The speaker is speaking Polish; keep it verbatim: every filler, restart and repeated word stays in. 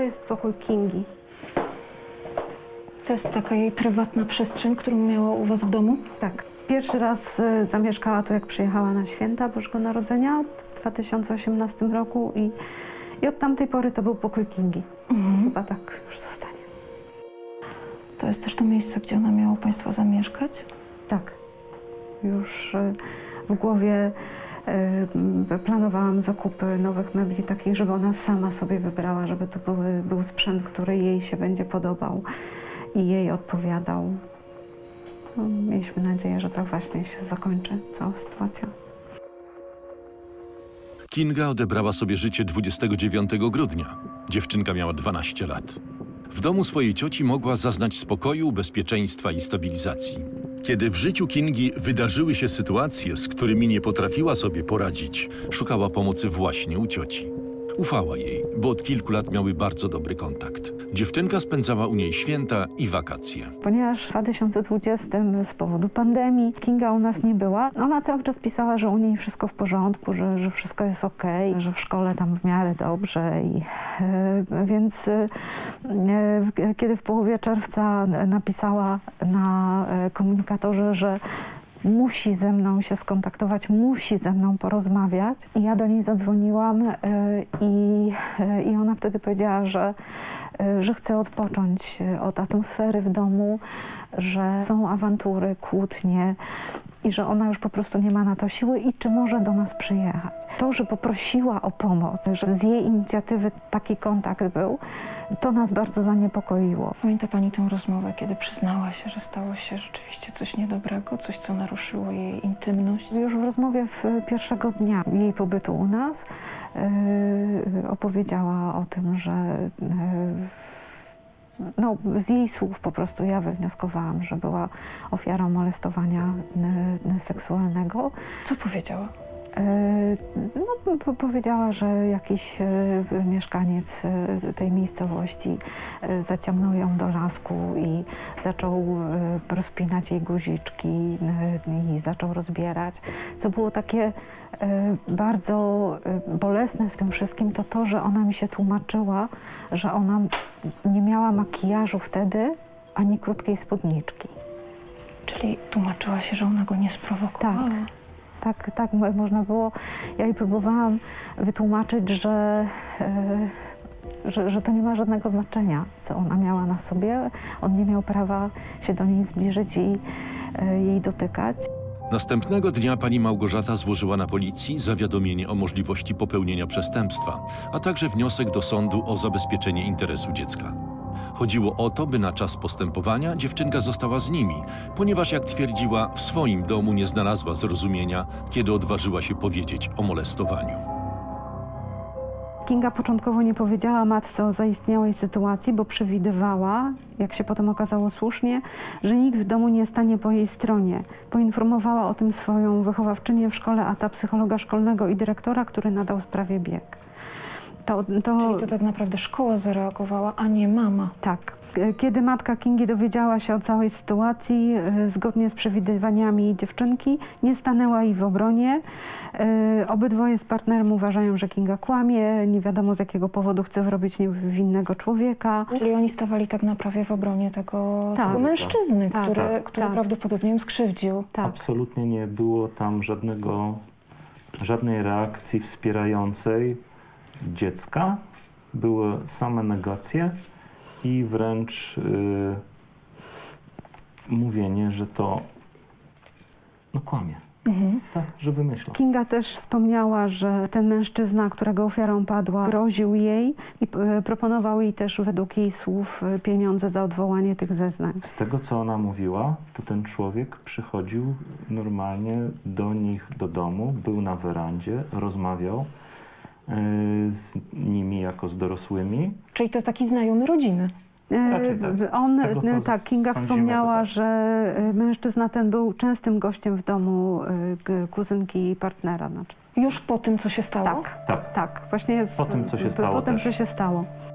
jest pokój Kingi. To jest taka jej prywatna przestrzeń, którą miała u was w domu? Tak. Pierwszy raz y, zamieszkała tu, jak przyjechała na święta Bożego Narodzenia w dwa tysiące osiemnastym roku i, i od tamtej pory to był pokój Kingi. Mhm. Chyba tak już zostanie. To jest też to miejsce, gdzie ona miała u państwa zamieszkać? Tak. Już y, w głowie y, planowałam zakupy nowych mebli takich, żeby ona sama sobie wybrała, żeby to były, był sprzęt, który jej się będzie podobał i jej odpowiadał. No, mieliśmy nadzieję, że tak właśnie się zakończy cała sytuacja. Kinga odebrała sobie życie dwudziestego dziewiątego grudnia. Dziewczynka miała dwanaście lat. W domu swojej cioci mogła zaznać spokoju, bezpieczeństwa i stabilizacji. Kiedy w życiu Kingi wydarzyły się sytuacje, z którymi nie potrafiła sobie poradzić, szukała pomocy właśnie u cioci. Ufała jej, bo od kilku lat miały bardzo dobry kontakt. Dziewczynka spędzała u niej święta i wakacje. Ponieważ w dwa tysiące dwudziestym z powodu pandemii Kinga u nas nie była, ona cały czas pisała, że u niej wszystko w porządku, że, że wszystko jest okej, że w szkole tam w miarę dobrze. I, e, więc e, kiedy w połowie czerwca napisała na komunikatorze, że musi ze mną się skontaktować, musi ze mną porozmawiać. I ja do niej zadzwoniłam y, i, y, i ona wtedy powiedziała, że, y, że chce odpocząć od atmosfery w domu, że są awantury, kłótnie i że ona już po prostu nie ma na to siły i czy może do nas przyjechać. To, że poprosiła o pomoc, że z jej inicjatywy taki kontakt był, to nas bardzo zaniepokoiło. Pamięta pani tę rozmowę, kiedy przyznała się, że stało się rzeczywiście coś niedobrego, coś, co naruszyło jej intymność? Już w rozmowie w pierwszego dnia jej pobytu u nas yy, opowiedziała o tym, że yy, no, z jej słów po prostu ja wywnioskowałam, że była ofiarą molestowania yy, seksualnego. Co powiedziała? No, po powiedziała, że jakiś y, mieszkaniec y, tej miejscowości y, zaciągnął ją do lasku i zaczął y, rozpinać jej guziczki y, i zaczął rozbierać. Co było takie y, bardzo y, bolesne w tym wszystkim, to to, że ona mi się tłumaczyła, że ona nie miała makijażu wtedy, ani krótkiej spódniczki. Czyli tłumaczyła się, że ona go nie sprowokowała? Tak. Tak, tak mo- można było. Ja jej próbowałam wytłumaczyć, że, y, że, że to nie ma żadnego znaczenia, co ona miała na sobie. On nie miał prawa się do niej zbliżyć i y, jej dotykać. Następnego dnia pani Małgorzata złożyła na policji zawiadomienie o możliwości popełnienia przestępstwa, a także wniosek do sądu o zabezpieczenie interesu dziecka. Chodziło o to, by na czas postępowania dziewczynka została z nimi, ponieważ, jak twierdziła, w swoim domu nie znalazła zrozumienia, kiedy odważyła się powiedzieć o molestowaniu. Kinga początkowo nie powiedziała matce o zaistniałej sytuacji, bo przewidywała, jak się potem okazało słusznie, że nikt w domu nie stanie po jej stronie. Poinformowała o tym swoją wychowawczynię w szkole, a ta psychologa szkolnego i dyrektora, który nadał sprawie bieg. To, to... Czyli to tak naprawdę szkoła zareagowała, a nie mama. Tak. Kiedy matka Kingi dowiedziała się o całej sytuacji, y, zgodnie z przewidywaniami dziewczynki, nie stanęła jej w obronie. Y, obydwoje z partnerem uważają, że Kinga kłamie, nie wiadomo z jakiego powodu chce wyrobić niewinnego człowieka. Czyli oni stawali tak naprawdę w obronie tego, Tak. tego mężczyzny, Tak, który, tak, który tak. prawdopodobnie ją skrzywdził. Tak. Absolutnie nie było tam żadnego, żadnej reakcji wspierającej dziecka. Były same negacje i wręcz yy, mówienie, że to no kłamie. Mhm. Tak, że wymyśla. Kinga też wspomniała, że ten mężczyzna, którego ofiarą padła, groził jej i y, proponował jej też według jej słów y, pieniądze za odwołanie tych zeznań. Z tego, co ona mówiła, to ten człowiek przychodził normalnie do nich do domu, był na werandzie, rozmawiał yy, z nimi jako z dorosłymi. Czyli to taki znajomy rodziny. Raczej tak. E, On, Z tego, co e, tak, Kinga sądzimy, wspomniała, to tak. że e, mężczyzna ten był częstym gościem w domu e, k- kuzynki i partnera. Znaczy. Już po tym, co się stało? Tak, Tak. tak, właśnie w- Po tym, co się po- stało Po tym, też. co się stało.